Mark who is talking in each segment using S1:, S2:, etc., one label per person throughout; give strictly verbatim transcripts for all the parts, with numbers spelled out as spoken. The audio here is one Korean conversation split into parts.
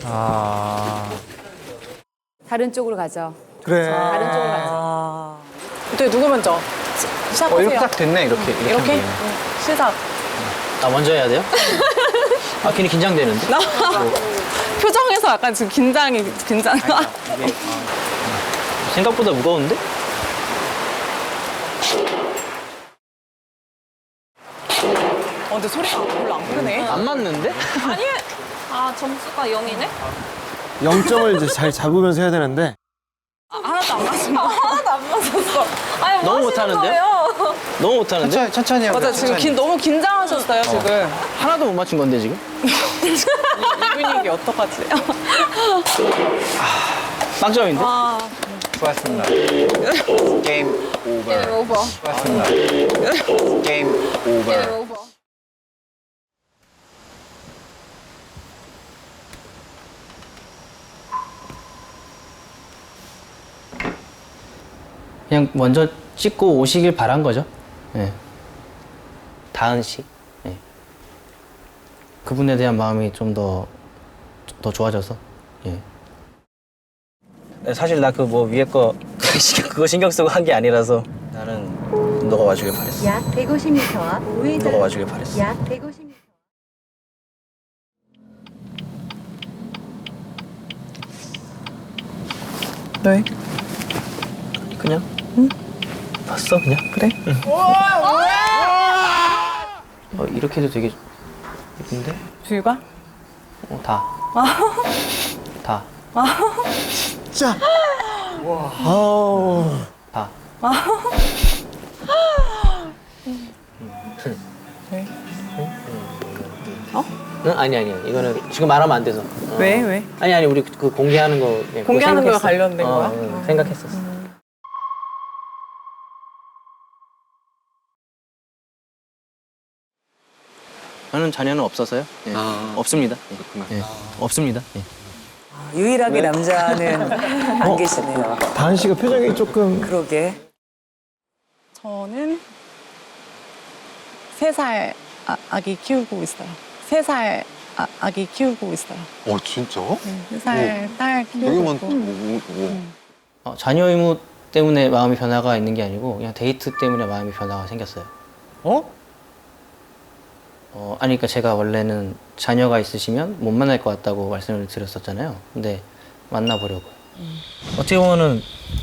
S1: 아.
S2: 다른 쪽으로 가죠.
S3: 그래.
S2: 다른 쪽으로 가죠.
S4: 어떻게 누구 먼저? 시, 시작하세요.
S1: 어, 이렇게 딱 됐네, 이렇게. 이렇게?
S4: 이렇게?
S1: 하면 되네.
S4: 응, 시작.
S5: 나 먼저 해야 돼요? 아, 괜히 긴장되는데?
S4: 나 표정에서 약간 지금 긴장이 긴장.
S5: 생각보다 무거운데?
S4: 어, 근데 소리가 별로 안 크네.
S5: 안 맞는데?
S4: 아니, 아 점수가 영이네?
S3: 영 점을 이제 잘 잡으면서 해야 되는데.
S4: 아, 하나도 안 맞았어. 하나도 안 맞았어. 아니,
S5: 너무 못하는데요? 너무 못하는데?
S1: 천천히, 천천히 하고.
S4: 맞아, 지금 긴, 너무 긴장하셨어요, 지금.
S5: 하나도 못 맞춘 건데, 지금?
S4: 이, 이 분위기 어떡하지?
S5: 빵점인데?
S4: 아,
S1: 수고하셨습니다. 게임 오버.
S2: 게임 오버.
S1: 수고하셨습니다. 게임 오버.
S2: 게임 오버.
S5: 그냥 먼저 찍고 오시길 바란 거죠. 예. 다은 씨. 예. 그분에 대한 마음이 좀 더, 더 좋아져서. 예. 사실 나 그 뭐 위에 거 그거 신경 쓰고 한 게 아니라서 나는 너가 와주길 바랬어.
S6: 약 백오십 미터 앞 우회전.
S5: 너가 와주길 바랬어.
S6: 약 백오십 미터.
S4: 왜?
S5: 그냥? 응. 봤어 그냥? 그래? 응. 어, 이렇게 해도 되게 예쁜데?
S4: 뷰가?
S5: 어, 다. 다.
S3: 자. 와. 아우.
S5: 다.
S4: 왜? 어?
S5: 응? 아니 아니 이거는 지금 말하면 안 돼서. 어.
S4: 왜? 왜?
S5: 아니 아니 우리 그 공개하는 거 예, 그거
S4: 공개하는 거에
S5: 생각했어.
S4: 관련된
S5: 어,
S4: 거야?
S5: 응, 생각했었어. 저는 자녀는 없어서요. 예.
S1: 아.
S5: 없습니다. 예. 예. 없습니다. 예.
S7: 유일하게 남자는 안 계시네요.
S3: 다은 씨가 표정이 조금.
S7: 그러게.
S4: 저는 세 살 아, 아기 키우고 있어요. 세 살 아, 아기 키우고 있어요.
S1: 어, 진짜?
S4: 세 살 딸 키우고
S1: 여기만,
S4: 있고.
S1: 뭐, 뭐.
S5: 어, 자녀 의무 때문에 마음이 변화가 있는 게 아니고 그냥 데이트 때문에 마음이 변화가 생겼어요.
S3: 어?
S5: 어, 아니 그러니까 제가 원래는 자녀가 있으시면 못 만날 것 같다고 말씀을 드렸었잖아요. 근데 만나보려고요. 음. 어떻게 보면은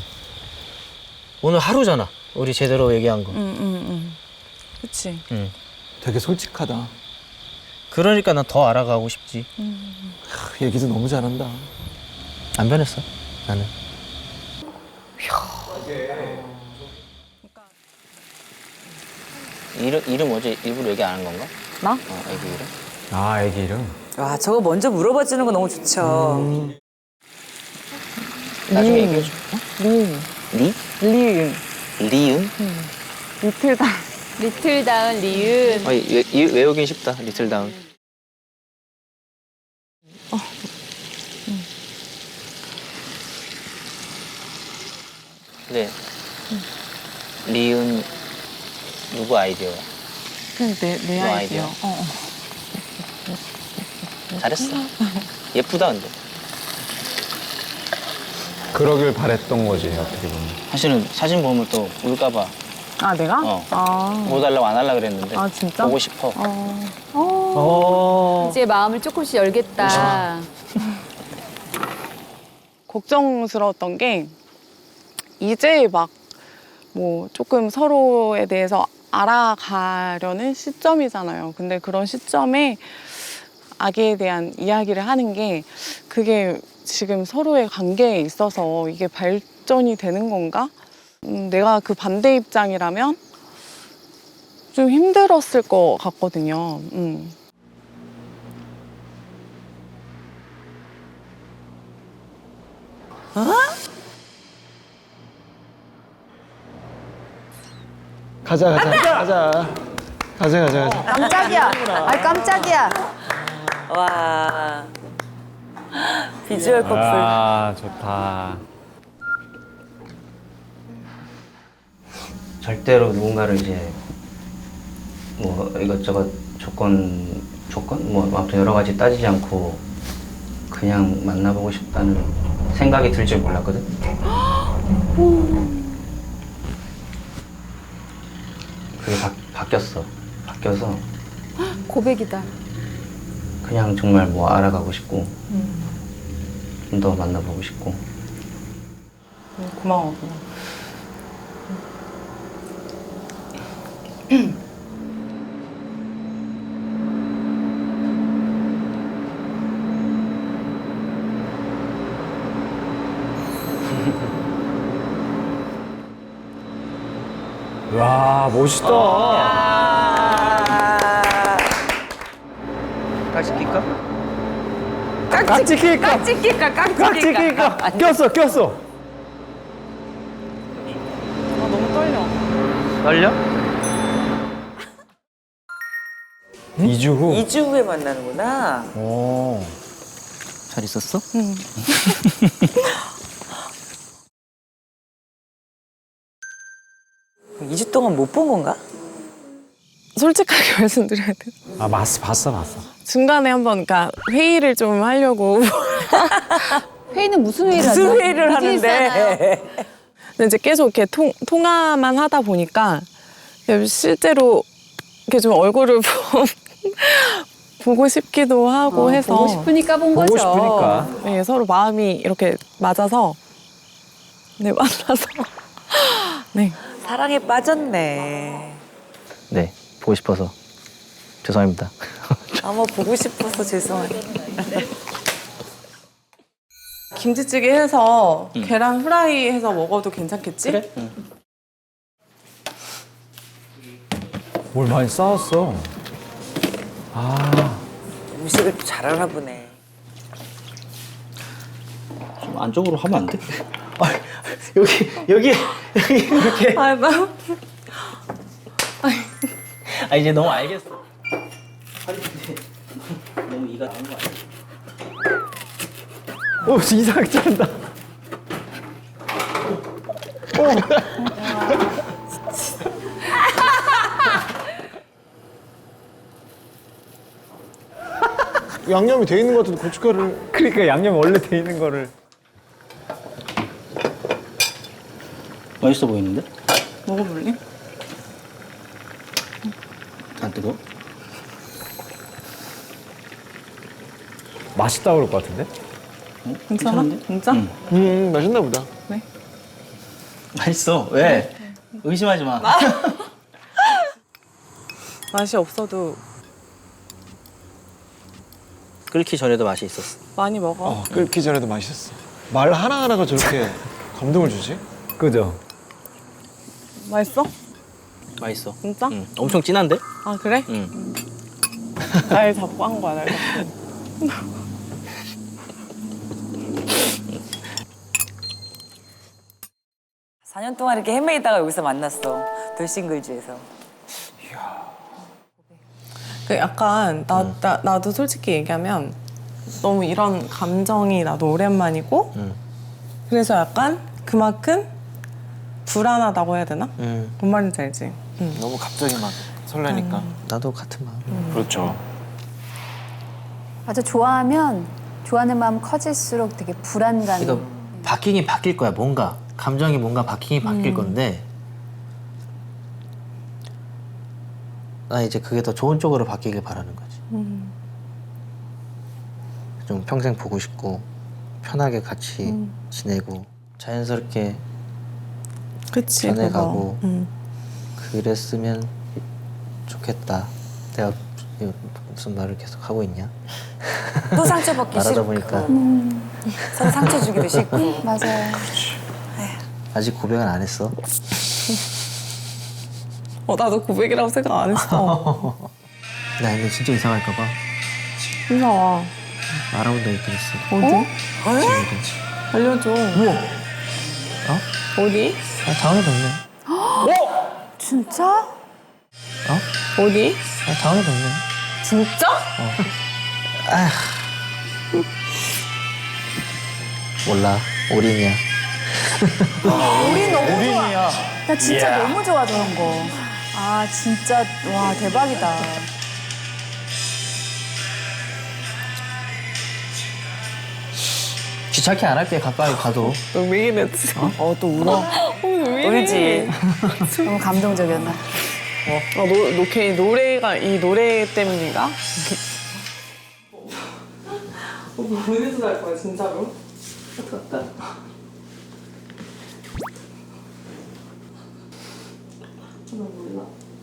S5: 오늘 하루잖아. 우리 제대로 얘기한 거.
S4: 응, 응, 응. 그치.
S5: 응.
S3: 되게 솔직하다.
S5: 그러니까 난 더 알아가고 싶지.
S3: 하, 얘기도 너무 잘한다.
S5: 안 변했어. 나는. 이름 이름 어제 일부러 얘기 안 한 건가?
S4: 나?
S5: 어, 애기 이름.
S1: 아, 애기 이름?
S7: 와, 저거 먼저 물어봐 주는 거 너무 좋죠.
S5: 나중에 얘기해줘.
S4: 리.
S5: 리?
S4: 리은.
S5: 리은?
S4: 리틀다.
S2: 리틀다운 리은.
S5: 어, 이, 이, 외우긴 쉽다. 리틀 다운. 네. 리은 누구 아이디어야?
S4: 그냥 내, 내
S5: 너
S4: 아이디어.
S5: 아이디어.
S4: 어, 어.
S5: 잘했어. 예쁘다 근데.
S1: 그러길 바랬던 거지, 어떻게 보면.
S5: 사실은 사진 보면 또 울까봐
S4: 아, 내가?
S5: 어.
S4: 아.
S5: 못 하려고 안 하려고 그랬는데.
S4: 아, 진짜?
S5: 보고 싶어.
S4: 어.
S3: 어.
S2: 이제 마음을 조금씩 열겠다.
S4: 걱정스러웠던 게 이제 막 뭐 조금 서로에 대해서 알아가려는 시점이잖아요. 근데 그런 시점에 아기에 대한 이야기를 하는 게 그게 지금 서로의 관계에 있어서 이게 발전이 되는 건가? 음, 내가 그 반대 입장이라면 좀 힘들었을 것 같거든요. 음.
S3: 가자, 가자, 가자. 가자, 가자, 가자.
S2: 깜짝이야. 아 깜짝이야.
S7: 와. 비주얼 커플.
S1: 아, 좋다.
S5: 절대로 누군가를 이제 뭐 이것저것 조건 조건 뭐 아무튼 여러 가지 따지지 않고 그냥 만나보고 싶다는 생각이 들 줄 몰랐거든. 그게 바, 바뀌었어. 바뀌어서
S2: 고백이다.
S5: 그냥 정말 뭐 알아가고 싶고 좀 더 만나보고 싶고.
S4: 음, 고마워. 고마워.
S1: 와, 멋있다.
S5: 깍지 낄까?
S1: 깍지 낄까?
S2: 깍지 낄까? 깍지
S1: 깍지 낄까? 꼈어, 꼈어.
S4: 아, 너무 떨려.
S5: 떨려?
S1: 이 주 후.
S7: 이 주 후에 만나는구나.
S1: 오.
S5: 잘 있었어?
S4: 응.
S7: 이 주 동안 못 본 건가?
S4: 솔직하게 말씀드려야 돼.
S1: 아, 봤어, 봤어, 봤어.
S4: 중간에 한번 그러니까 회의를 좀 하려고.
S2: 회의는 무슨 회의를 하죠?
S7: 무슨 회의를
S2: 비즈니스잖아요.
S7: 하는데.
S4: 근데 이제 계속 이렇게 통, 통화만 하다 보니까 실제로 이렇게 좀 얼굴을 보- 보고 싶기도 하고
S2: 어,
S4: 해서
S2: 보고 싶으니까 본
S1: 보고
S2: 거죠.
S1: 싶으니까.
S4: 네, 서로 마음이 이렇게 맞아서 네 만나서 네
S7: 사랑에 빠졌네.
S5: 네, 보고 싶어서 죄송합니다.
S7: 아마 보고 싶어서 죄송해요.
S4: 김치찌개 해서 계란 후라이 해서 먹어도 괜찮겠지?
S5: 그래? 응.
S1: 뭘 많이 싸웠어. 아,
S7: 음식을 잘 알아보네.
S5: 좀 안쪽으로 하면 안 돼? 아, 여기 여기 여기 이렇게.
S4: 아, 나
S5: 아 이제 너무 알겠어. 아니 근데 너무 이가 나온 거 아니야?
S1: 오, 이상하게 자른다.
S3: 양념이 돼 있는 것 같은데 고춧가루를.
S1: 그러니까 양념 원래 돼 있는 거를.
S5: 맛있어 보이는데?
S4: 먹어볼래?
S5: 안 뜨거?
S1: 맛있다 그럴 것 같은데?
S4: 괜찮아? 진짜?
S5: 응.
S3: 음, 맛있나 보다.
S5: 맛있어. 왜? 의심하지 마.
S4: 맛이 없어도
S5: 끓기 전에도 맛이 있었어.
S4: 많이 먹어.
S3: 어, 끓기 전에도 맛있었어. 말 하나하나가 저렇게 감동을 주지?
S1: 그죠?
S4: 맛있어?
S5: 맛있어.
S4: 진짜?
S5: 응. 엄청 진한데?
S4: 아 그래?
S5: 응.
S4: 날 잡고 한 거야, 날 잡고.
S7: 사 년 동안 이렇게 헤매다가 여기서 만났어. 돌싱글즈에서.
S4: 그 약간 나, 나 나도 솔직히 얘기하면 너무 이런 감정이 나도 오랜만이고
S5: 응.
S4: 그래서 약간 그만큼 불안하다고 해야 되나?
S5: 응.
S4: 뭔 말인지 알지? 응.
S3: 너무 갑자기 막 설레니까.
S5: 나도 같은 마음.
S3: 그렇죠.
S2: 맞아, 좋아하면 좋아하는 마음 커질수록 되게 불안감.
S5: 이거 바뀌긴 바뀔 거야. 뭔가 감정이 뭔가 바뀌긴 바뀔 건데 나 이제 그게 더 좋은 쪽으로 바뀌길 바라는 거지.
S4: 음.
S5: 좀 평생 보고 싶고 편하게 같이
S4: 음.
S5: 지내고 자연스럽게
S4: 그치.
S5: 변해가고.
S4: 그거. 응.
S5: 그랬으면 좋겠다. 내가 이거 무슨 말을 계속 하고 있냐?
S7: 또 상처받기
S5: 말하다
S7: 싫고.
S5: 보니까
S7: 서로 상처 주기도 싫고.
S2: 맞아요.
S5: 아직 고백은 안 했어.
S4: 어 나도 고백이라고 생각 안 했어.
S5: 나 근데 진짜 이상할까 봐
S4: 무서워.
S5: 알아본 적 있긴 있어.
S4: 어디? 알려줘.
S5: 어?
S4: 어디?
S5: 아, 다음에 뵙네.
S2: 진짜?
S5: 어?
S4: 어디?
S5: 아, 다음에 뵙네.
S4: 진짜?
S5: 몰라. 올인이야.
S2: 우리 너무 좋아. 나 진짜 너무 좋아, 저런 거. 아, 진짜, 와, 대박이다.
S5: 귀찮게 안 할게 가까이 가도.
S4: 너 왜 이래? 어, 또 울어?
S7: 울지.
S2: 너무 감동적이었나?
S4: 아, 노, 노, 걔 노래가, 이 노래 때문인가? 어, 보내서 갈 거야, 진짜로? 나 몰라.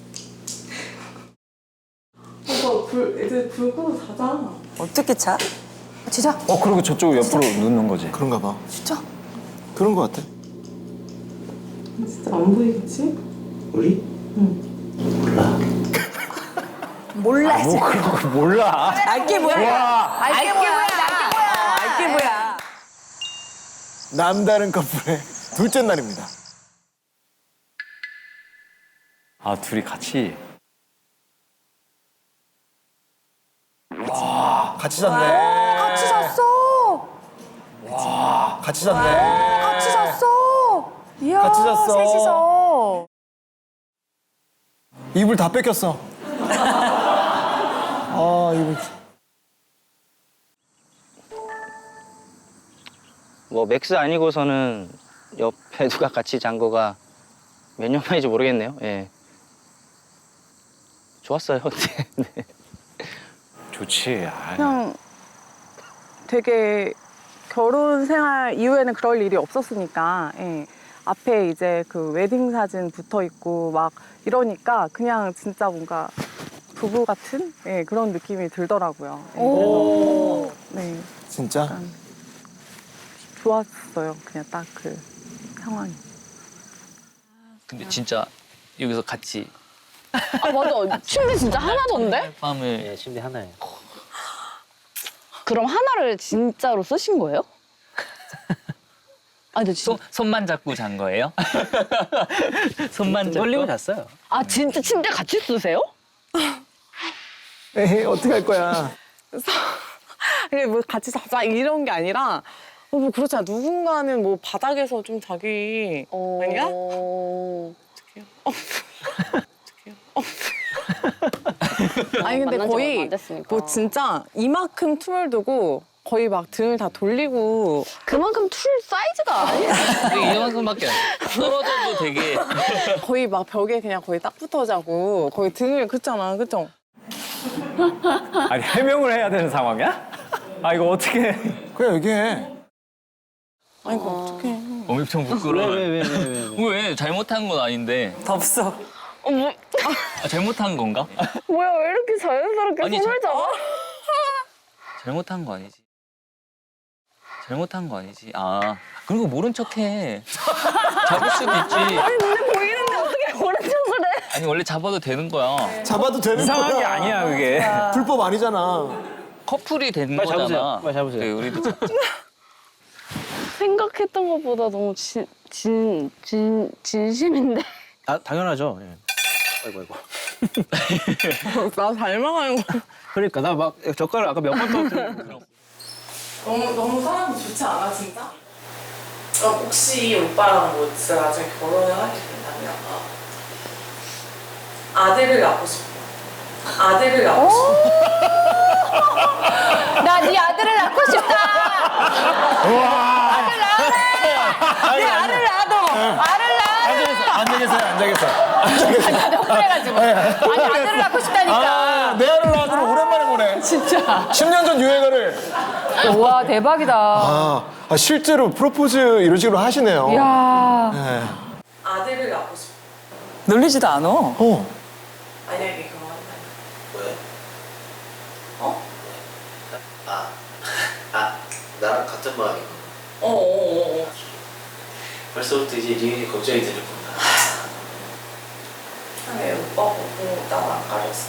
S4: 오빠, 불, 이제 불 끄고 자자.
S7: 어떻게 차?
S2: 진짜?
S1: 어, 그리고 저쪽 옆으로 눕는 거지.
S3: 그런가 봐.
S2: 진짜?
S3: 그런 거 같아.
S4: 진짜 안 보이겠지?
S5: 우리?
S2: 몰라, 이제.
S1: 뭐 그런 거 몰라.
S7: 알게 뭐야?
S2: 알게
S7: 알게
S2: 뭐야?
S7: 뭐야? 알게 뭐야?
S3: 남다른 커플의 둘째 날입니다.
S1: 아, 둘이 같이.
S3: 같이 잤네.
S2: 같이 잤어.
S3: 같이 잤네.
S2: 같이 잤어. 이야,
S3: 같이 잤어.
S2: 셋이서.
S3: 이불 다 뺏겼어. 아, 이불.
S5: 뭐 맥스 아니고서는 옆에 누가 같이 잔 거가 몇 년 만인지 모르겠네요. 예. 좋았어요. 네.
S1: 좋지. 아이.
S4: 그냥 되게 결혼 생활 이후에는 그럴 일이 없었으니까 예. 앞에 이제 그 웨딩 사진 붙어 있고 막 이러니까 그냥 진짜 뭔가 부부 같은 예, 그런 느낌이 들더라고요. 예, 그래서 네,
S3: 진짜?
S4: 좋았어요. 그냥 딱 그 상황이.
S8: 근데 진짜 여기서 같이
S9: 아 맞아 침대 진짜 하나던데?
S8: 밤을
S5: 예, 침대 하나에.
S9: 그럼 하나를 진짜로 쓰신 거예요? 아 근데
S8: 손,
S9: 진짜
S8: 손만 잡고 잔 거예요? 손만 잡고
S5: 돌리고 잤어요.
S9: 아 진짜 침대 같이 쓰세요?
S3: 에이, 어떡할 거야.
S4: 이게 뭐 같이 자자 이런 게 아니라 어, 뭐 그렇잖아. 누군가는 뭐 바닥에서 좀 자기 아니야?
S9: 어...
S4: 아니 근데
S9: 만난 지 얼마
S4: 거의
S9: 안 됐으니까.
S4: 뭐 진짜 이만큼 틈을 두고 거의 막 등을 다 돌리고
S9: 그만큼 툴 사이즈가 아니야.
S8: 되게 이만큼밖에 안 돼. 떨어져도 되게
S4: 거의 막 벽에 그냥 거의 딱 붙어 자고 거의 등을 긋잖아, 그죠?
S1: 아니, 해명을 해야 되는 상황이야? 아, 이거 어떻게.
S3: 그냥 얘기해.
S4: 아니 그 어떡해.
S8: 엄청 부끄러워.
S5: 왜 왜 왜 왜? 왜?
S8: 왜 잘못한 건 아닌데
S7: 덥어.
S9: 어, 뭐,
S8: 아, 잘못한 건가?
S9: 뭐야 왜 이렇게 자연스럽게
S8: 아니,
S9: 손을
S8: 자-
S9: 잡아?
S8: 잘못한 거 아니지. 잘못한 거 아니지. 아 그리고 모른 척해. 잡을 수도 있지.
S9: 근데 보이는데 어떻게 오른쪽을 해?
S8: 아니 원래 잡아도 되는 거야.
S3: 잡아도 되는
S1: 이상한
S3: 거야.
S1: 게 아니야, 그게.
S3: 불법 아니잖아.
S8: 커플이 되는
S5: 빨리
S8: 거잖아.
S5: 잡으세요. 빨리 잡으세요.
S8: 네, 우리도 잡-
S9: 생각했던 것보다 너무 진, 진, 진, 진심인데?
S5: 아 당연하죠. 예. 아이고 아이고.
S4: 나 닮아가는 거.
S5: 그러니까 나 막 젓가락 아까 몇 번 떨어뜨렸는데.
S4: 너무 너무 사람이 좋지 않아 진짜? 어, 혹시 오빠랑 뭐 진짜 나중에 결혼을 하게 된다면 아들을 낳고 싶어. 아들을 낳고 싶어.
S2: 나 네 아들을 낳고 싶다. 아들 낳으래. 네 아들 낳아도. 아들 낳으래.
S3: 안 되겠어요, 안 되겠어.
S2: 너무 그래가지고. 아니 아들을 낳고 싶다니까.
S3: 아, 내 아들 낳아주는 오랜만에 보네.
S2: 진짜.
S3: 십 년 전 유행어를.
S2: 와 대박이다.
S3: 아, 아, 실제로 프로포즈 이런 식으로 하시네요.
S2: 이야.
S3: 네.
S4: 아들을 낳고 싶어.
S7: 놀리지도 않아.
S3: 어.
S4: 만약에 결혼한다면.
S5: 왜?
S4: 어?
S5: 아, 아 나랑 같은 마음이고.
S4: 어어어어.
S5: 벌써부터 이제 리은이 걱정이 되는구나.
S4: 왜 오빠 보고 나안 가렸어?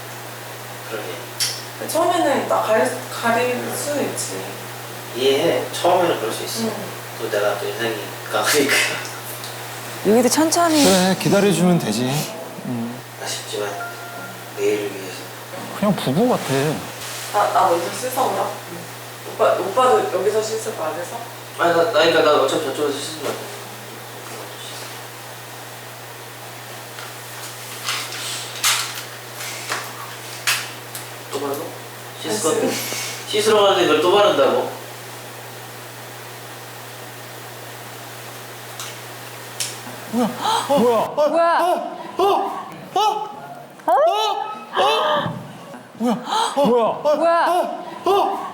S5: 그러게.
S4: 처음에는 나 가릴, 가릴 수는 있지.
S5: 이해해. 처음에는 그럴 수 있어.
S4: 응.
S5: 또 내가 또 인상이 강하니까.
S7: 여기도 천천히.
S3: 그래, 기다려주면 되지.
S5: 아쉽지만 내일을 위해서.
S1: 그냥 부부 같아.
S4: 나, 나 먼저 씻어오라. 오빠, 오빠도 여기서 씻을 거야, 그래서?
S5: 아니 나, 나 그러니까 나 어차피 저쪽에서 씻으면 안 돼. 또 바르고? 씻을 건데? 씻으러 가는데 이걸 또 바른다고?
S1: 뭐야? 뭐야?
S2: 뭐야?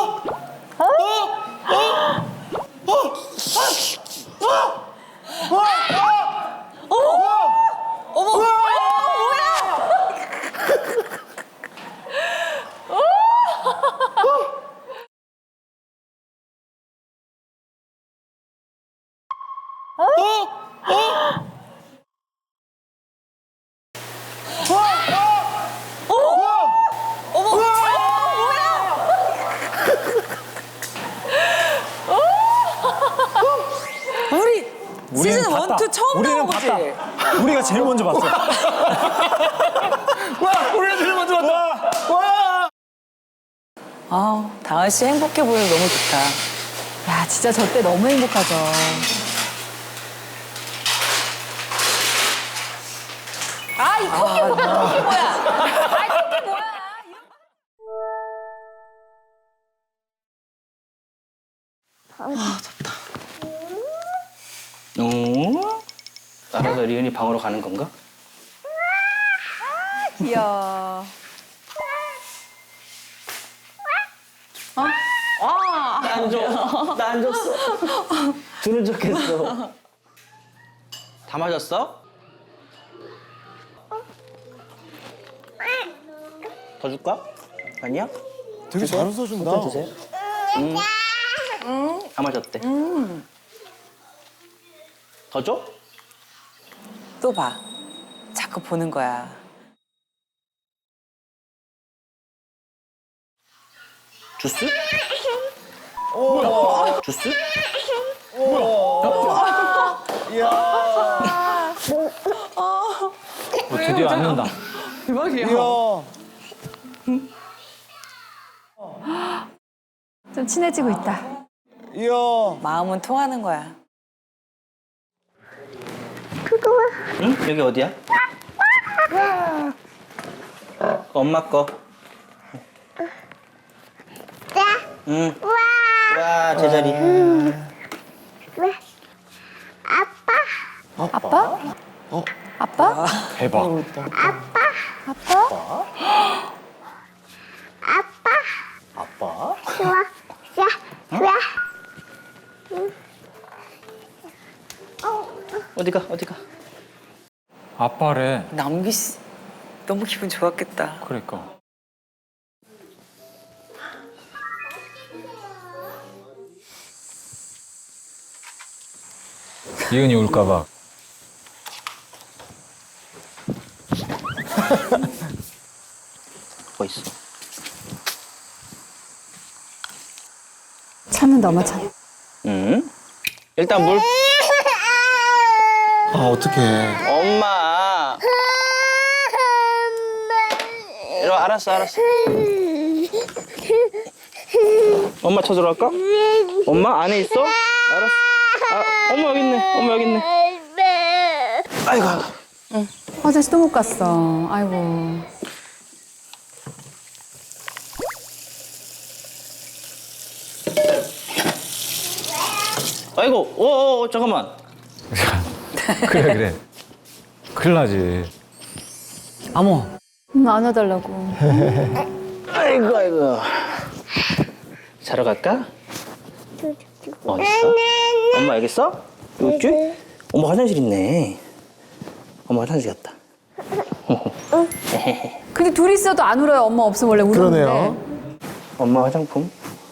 S7: 우리
S1: 우리는
S7: 시즌
S1: 봤다.
S7: 원, 투 처음
S1: 우리는
S7: 나온 거지?
S1: 봤다. 우리가 제일 먼저 봤어. 와, 우리가 제일 먼저 봤다. 와.
S7: 아, 다은 씨 행복해 보여서 너무 좋다.
S2: 야, 진짜 저 때 너무 행복하죠. 아, 이 커피 뭐야? 뭐야? 아, 이 커피 뭐야?
S5: 어? 알아서 리은이 방으로 가는 건가?
S2: 귀여워.
S5: 안 줘. 나 안 줬어. 주는 척했어. 다 맞았어? 더 줄까? 아니야?
S3: 되게 잘 웃어준다.
S5: 주세요. 응. 다 맞았대. 더 줘?
S7: 또 봐. 자꾸 보는 거야.
S5: 주스? 주스?
S1: 어, 드디어 앉는다.
S2: 좀 친해지고 있다.
S3: 이야.
S7: 마음은 통하는 거야.
S5: 응? 여기 어디야? 엄마 거. 응. 와, 제자리.
S2: 아빠? 아빠?
S1: 대박.
S5: 어디가, 어디가?
S1: 아빠래.
S7: 남기 씨 너무 기분 좋았겠다.
S1: 그러니까. 이은이 울까봐.
S5: 뭐 있어?
S2: 참는다, 엄마 참.
S5: 응? 일단 물.
S3: 아, 어떡해.
S5: 엄마. 이리 와, 알았어, 알았어. 엄마 찾으러 갈까? 엄마 안에 있어? 알았어. 아, 엄마 여기 있네. 엄마 여기 있네. 아이고. 아이고.
S2: 화장실 또 못 갔어. 아이고.
S5: 아이고. 오, 오, 잠깐만.
S1: 그래 그래. 큰일 나지.
S7: 어머.
S2: 음, 안아달라고.
S5: 아이고, 아이고. 자러 갈까? 어디 있어? 엄마 여기 있어? 여기 있지? 엄마 화장실 있네. 엄마 화장실 갔다.
S2: 근데 둘이 있어도 안 울어요. 엄마 없으면 원래 울었는데.
S3: 그러네요.
S5: 엄마 화장품.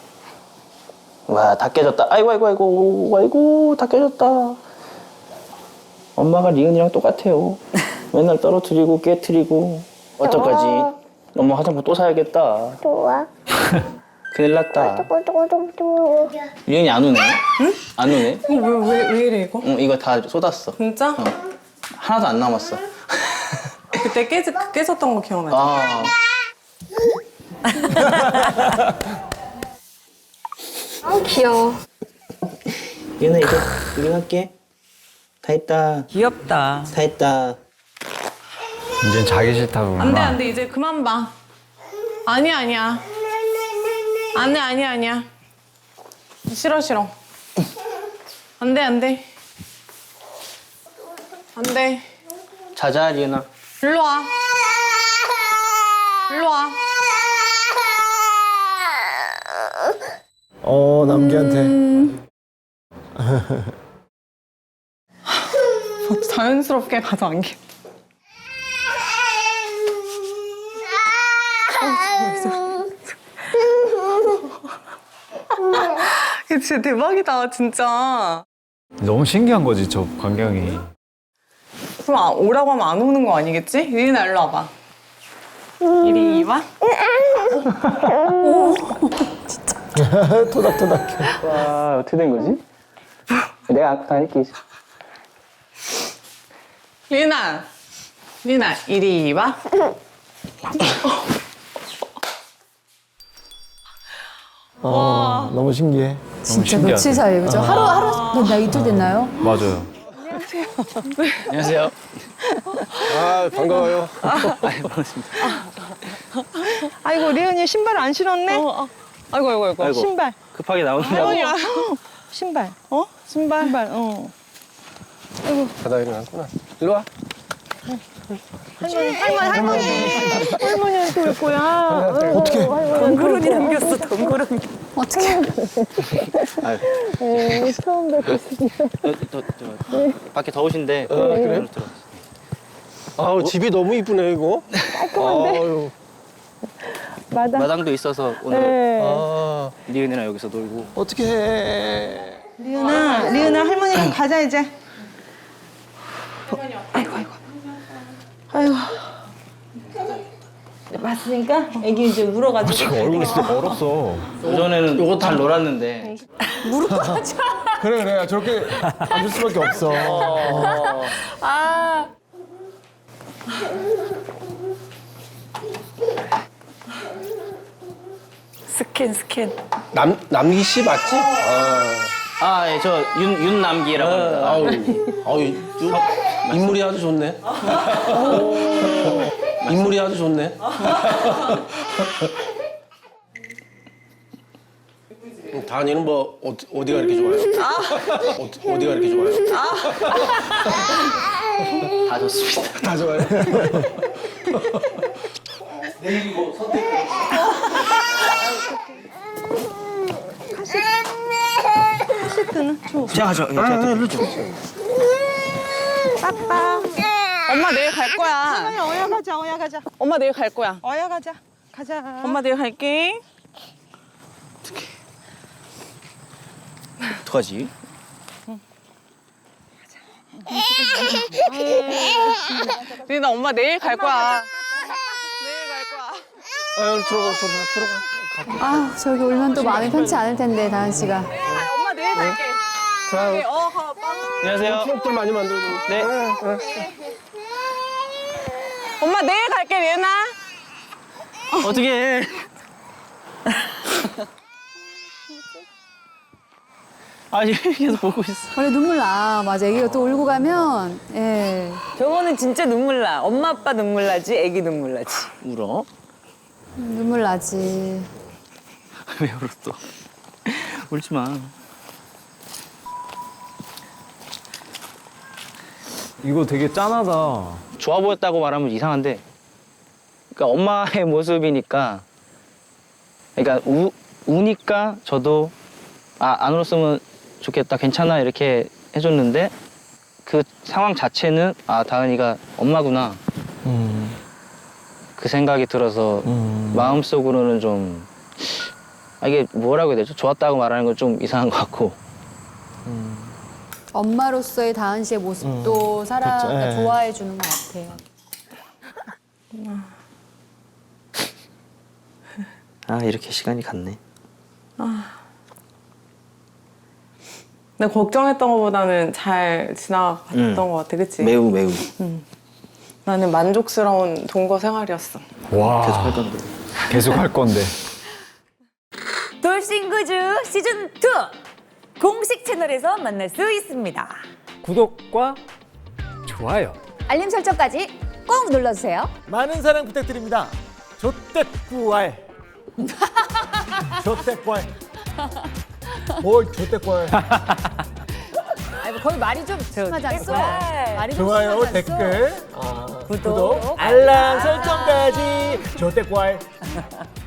S5: 와, 다 깨졌다. 아이고, 아이고, 아이고, 아이고, 다 깨졌다. 엄마가 리은이랑 똑같아요. 맨날 떨어뜨리고 깨트리고. 어떡하지? 엄마 화장품 또 사야겠다.
S10: 좋아.
S5: 큰일 났다.
S10: 또또또또.
S5: 리은이 안 우네? 응? 안 우네?
S4: 왜, 왜, 왜 이래, 이거?
S5: 응, 이거 다 쏟았어.
S4: 진짜?
S5: 어. 하나도 안 남았어.
S4: 그때 깨, 깨졌던 거 기억나지?
S5: 아.
S10: 아, 귀여워.
S5: 리은아, 이제 우리 갈게. 다 했다.
S7: 귀엽다.
S5: 다 했다.
S1: 이제 자기 싫다고.
S4: 안 돼, 안 돼. 이제 그만 봐. 아니야, 아니야. 안 돼, 아니야, 아니야. 싫어, 싫어. 안 돼, 안 돼. 안 돼.
S5: 자자, 리은아.
S4: 일로 와. 일로 와.
S3: 어, 남기한테.
S4: 자연스럽게 가서 안겨. 이게 진짜 대박이다, 진짜.
S1: 너무 신기한 거지 저 광경이.
S4: 그럼 아, 오라고 하면 안 오는 거 아니겠지? 리은아, 일로 와봐. 이리 와.
S3: 토닥토닥해.
S5: 와, 어떻게 된 거지? 내가 아까 할게.
S4: 리은아. 리은아, 이리 와.
S3: 어, 너무 신기해.
S2: 진짜
S1: 신기하다.
S2: 며칠 사이에 그죠? 하루 하루 나 이틀 됐나요?
S1: 맞아요.
S5: 안녕하세요.
S3: 아, 반가워요.
S9: 아이고 리은이 신발 안 신었네.
S4: 어, 어. 아이고, 아이고, 아이고.
S5: 아이고.
S9: 신발.
S5: 급하게 나오느라고.
S4: 할머니랑.
S9: 신발. 어? 신발. 신발. 어.
S3: 바다 일어났구나. 일로 와.
S9: 할머니 할머니 할머니한테 올 거야.
S3: 어떻게?
S7: 덩그러니 남겼어, 덩그러니.
S2: 어떻게?
S9: 처음 뵙겠습니다.
S5: 저, 저, 저, 밖에 더우신데.
S3: 어, 그래요?
S5: 들어.
S3: 아우, 집이 너무 이쁘네, 이거. 깔끔한데?
S9: 마당.
S5: 마당도 있어서 오늘
S9: 네.
S3: 아,
S5: 리은이랑 여기서 놀고.
S3: 어떻게 해.
S9: 리은아 리은아 할머니랑 가자 이제. 아이고 아이고. 아이고. 맞으니까 애기 이제 울어가지고.
S1: 지금 얼굴이 진짜 멀었어.
S5: 오전에는 요거 잘 놀았는데.
S3: 그래, 그래. 저렇게 앉을 수밖에 없어.
S2: 아.
S7: 스캔, 스캔.
S3: 남, 남기 씨 맞지? 아,
S5: 아, 예, 저 윤, 윤남기라고 합니다.
S3: 아우, 아우, 유- 인물이 아주 좋네. 인물이 아주 좋네. 다은이는 뭐 어디, 어디가 이렇게 좋아요? 어디, 어디가 이렇게 좋아요?
S5: 다 좋습니다.
S3: 다 좋아요.
S5: 자, 저, 자, 저, 저.
S9: 빠빠.
S4: 엄마 내일 갈 거야.
S9: 할머니 어야 가자 어야 가자.
S4: 엄마 내일 갈 거야.
S9: 어야 가자. 가자.
S4: 엄마 내일 갈게.
S5: 어떡하지?
S4: 리은아, 엄마 내일 갈 거야. 내일 갈 거야.
S3: 아, 들어가, 들어가, 들어가.
S2: 아 저기 울면 또 마음이 편치 않을 텐데 다은 씨가.
S4: 엄마 내일 갈게.
S3: 자,
S4: 네, 어, 가, 빠.
S5: 안녕하세요.
S3: 추억들 많이 만들고.
S5: 네.
S4: 엄마 내일 갈게, 리은아.
S5: 어떻게 해? 아니, 계속 보고 있어.
S2: 원래 눈물 나. 맞아. 애기가 또 울고 가면 예.
S7: 저거는 진짜 눈물 나. 엄마, 아빠 눈물 나지, 애기 눈물 나지.
S5: 울어?
S2: 눈물 나지.
S5: 왜 울어 또? 울지 마.
S1: 이거 되게 짠하다.
S5: 좋아 보였다고 말하면 이상한데, 그러니까 엄마의 모습이니까, 그러니까 우, 우니까 저도 아, 안 울었으면 좋겠다, 괜찮아 이렇게 해줬는데 그 상황 자체는 아, 다은이가 엄마구나
S3: 음,
S5: 그 생각이 들어서
S3: 음.
S5: 마음속으로는 좀 아, 이게 뭐라고 해야 되죠? 좋았다고 말하는 건 좀 이상한 것 같고.
S2: 엄마로서의 다은 씨의 모습도 살아
S3: 그쵸,
S2: 그러니까
S3: 예.
S2: 좋아해 주는 것 같아요.
S5: 아, 이렇게 시간이 갔네.
S4: 내가 걱정했던 것보다는 잘 지나갔던
S5: 음.
S4: 것 같아, 그치?
S5: 매우 매우.
S4: 나는 만족스러운 동거 생활이었어.
S1: 와.
S5: 계속 할 건데.
S1: 계속 할 건데.
S7: 돌싱그즈 시즌 투 공식 채널에서 만날 수 있습니다.
S1: 구독과 좋아요.
S2: 알림 설정까지 꼭 눌러주세요.
S11: 많은 사랑 부탁드립니다. 조떼꾸알. 조떼꾸알. 뭘 조떼꾸알.
S7: 거의 말이 좀 심하지 않았어? 말이 좀
S11: 좋아요,
S7: 심하지 않았어?
S11: 댓글, 아,
S7: 구독,
S11: 구독, 알람 설정까지. 조태꿀.